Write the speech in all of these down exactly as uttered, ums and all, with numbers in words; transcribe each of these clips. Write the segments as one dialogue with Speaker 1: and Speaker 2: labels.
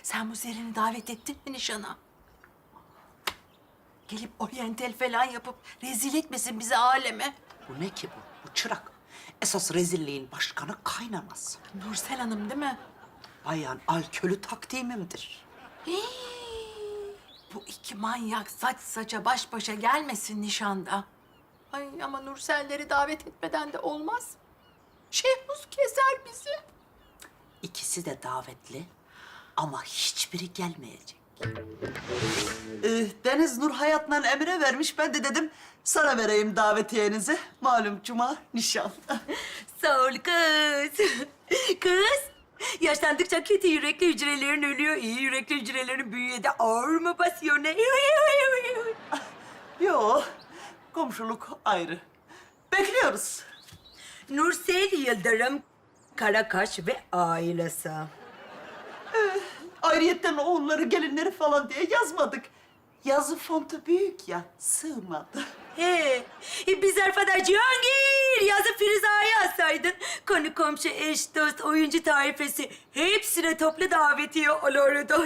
Speaker 1: Sen bu Zerrin'i davet ettin mi nişana? Gelip oryantal falan yapıp rezil etmesin bizi aleme.
Speaker 2: Bu ne ki bu? Bu çırak. Esas rezilliğin başkanı kaynanası.
Speaker 1: Nursel Hanım değil mi?
Speaker 2: Bayan alkölü takdimimdir.
Speaker 1: Hii, bu iki manyak saç saça baş başa gelmesin nişanda. Ay ama Nurselleri davet etmeden de olmaz. Şehmuz keser bizi.
Speaker 2: İkisi de davetli ama hiçbiri gelmeyecek. Ee, Deniz Nur Hayat'la Emre vermiş. Ben de dedim sana vereyim davetiyenizi. Malum cuma nişan.
Speaker 3: Sağ ol kız. Kız, yaşlandıkça kötü yürekli hücrelerin ölüyor. İyi yürekli hücrelerin bünyede ağır mı basıyor ne?
Speaker 2: Yo, komşuluk ayrı. Bekliyoruz.
Speaker 3: Nursel Yıldırım, Karakaş ve ailesi.
Speaker 2: Ayrıyetten oğulları, gelinleri falan diye yazmadık. Yazı fontu büyük ya, sığmadı.
Speaker 3: He, e, biz Arfa'da Cihangir yazı Firuza'yı yazsaydın. Konu komşu, eş, dost, oyuncu tarifesi hepsine toplu davetiye olurdu.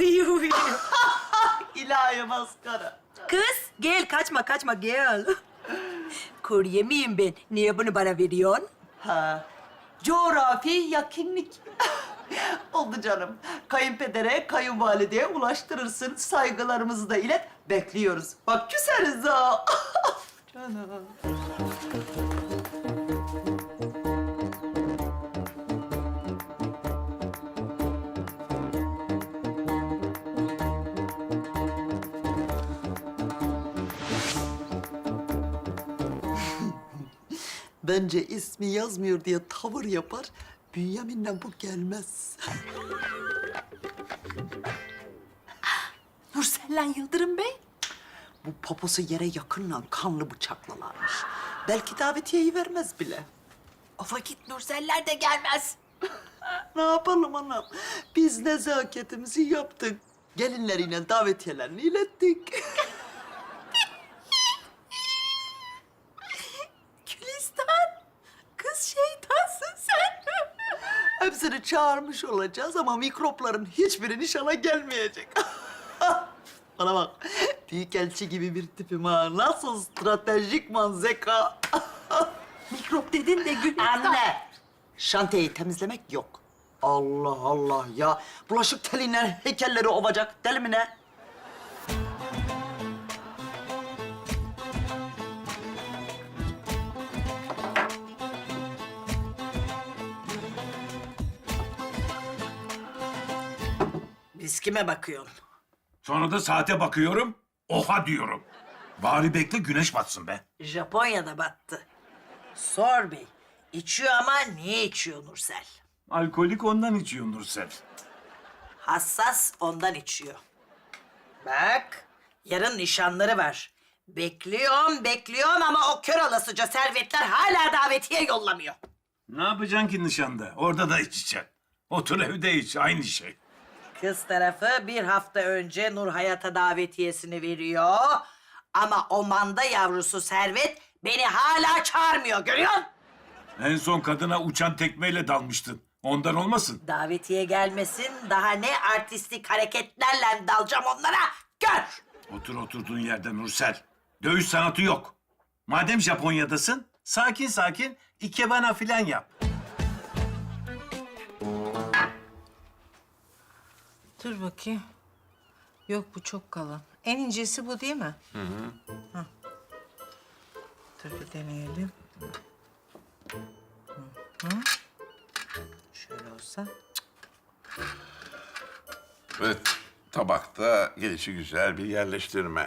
Speaker 2: İlahi maskara.
Speaker 3: Kız, gel kaçma kaçma gel. Kurye miyim ben? Niye bunu bana veriyorsun?
Speaker 2: Ha, coğrafi yakınlık. Oldu canım. Kayınpedere, kayınvalideye ulaştırırsın. Saygılarımızı da ilet. Bekliyoruz. Bak küseriz ha. Canım. Bence ismi yazmıyor diye tavır yapar. Bünyamin'le bu gelmez.
Speaker 1: Nursel'le Yıldırım Bey.
Speaker 2: Bu poposu yere yakınla kanlı bıçaklalarmış. Belki davetiyeyi vermez bile.
Speaker 1: O vakit Nurseller de gelmez.
Speaker 2: Ne yapalım anam? Biz nezaketimizi yaptık. Gelinleriyle davetiyelerini ilettik.
Speaker 1: Gülistan, kız şeytansın sen.
Speaker 2: Hepsini çağırmış olacağız ama mikropların hiçbiri nişana gelmeyecek. Bana bak, büyükelçi gibi bir tipim ha. Nasıl stratejik man zeka.
Speaker 1: Mikrop dedin de Gülistan.
Speaker 2: Anne! Şantiyeyi temizlemek yok. Allah Allah ya. Bulaşık teliyle heykelleri ovacak. Deli mi ne?
Speaker 4: Biz kime bakıyorsun?
Speaker 5: Sonra da saate bakıyorum, oha diyorum. Bari bekle güneş batsın be.
Speaker 4: Japonya'da battı. Sor bey. İçiyor ama niye içiyor Nursel?
Speaker 5: Alkolik ondan içiyor Nursel.
Speaker 4: Hassas ondan içiyor. Bak, yarın nişanları var. Bekliyorum, bekliyorum ama o kör olasıca servetler hala davetiye yollamıyor.
Speaker 5: Ne yapacaksın ki nişanda? Orada da içeceksin. Otur evde iç, aynı şey.
Speaker 4: Kız tarafı bir hafta önce Nur Hayat'a davetiyesini veriyor. Ama o manda yavrusu Servet beni hala çağırmıyor, görüyor musun?
Speaker 5: En son kadına uçan tekmeyle dalmıştın. Ondan olmasın.
Speaker 4: Davetiye gelmesin, daha ne artistik hareketlerle dalacağım onlara, gör!
Speaker 5: Otur oturduğun yerde Nursel. Dövüş sanatı yok. Madem Japonya'dasın, sakin sakin ikebana filan yap.
Speaker 6: Dur bakayım. Yok bu çok kalın. En incesi bu değil mi? Hı hı. Dur bir deneyelim. Hı hı. Şöyle olsa.
Speaker 7: Ve tabakta gelişi güzel bir yerleştirme.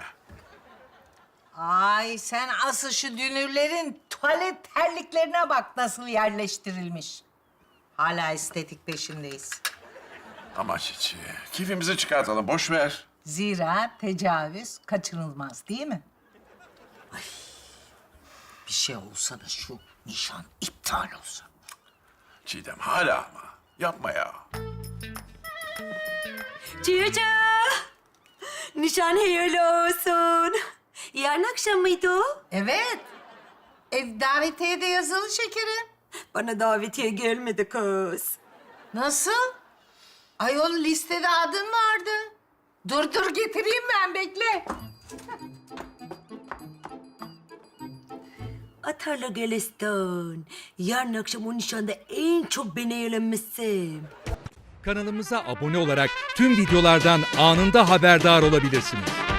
Speaker 6: Ay sen asıl şu dünürlerin tuvalet terliklerine bak nasıl yerleştirilmiş. Hala estetik peşindeyiz.
Speaker 7: Ama Çiçi, keyfimizi çıkartalım, boş ver.
Speaker 6: Zira tecavüz kaçınılmaz değil mi?
Speaker 2: Bir şey olsa da şu nişan iptal olsa.
Speaker 7: Çiğdem hala ama. Yapma ya.
Speaker 3: Cici, nişan hayırlı olsun. Yarın akşam mıydı o?
Speaker 6: Evet. Ev davetiye de yazılı şekerim.
Speaker 3: Bana davetiye gelmedi kız.
Speaker 6: Nasıl? Ayol listede adın vardı. Dur dur getireyim ben bekle.
Speaker 3: Atarla Gülistan. Yarın akşam o nişanda en çok ben eğlenmişsin.
Speaker 8: Kanalımıza abone olarak tüm videolardan anında haberdar olabilirsiniz.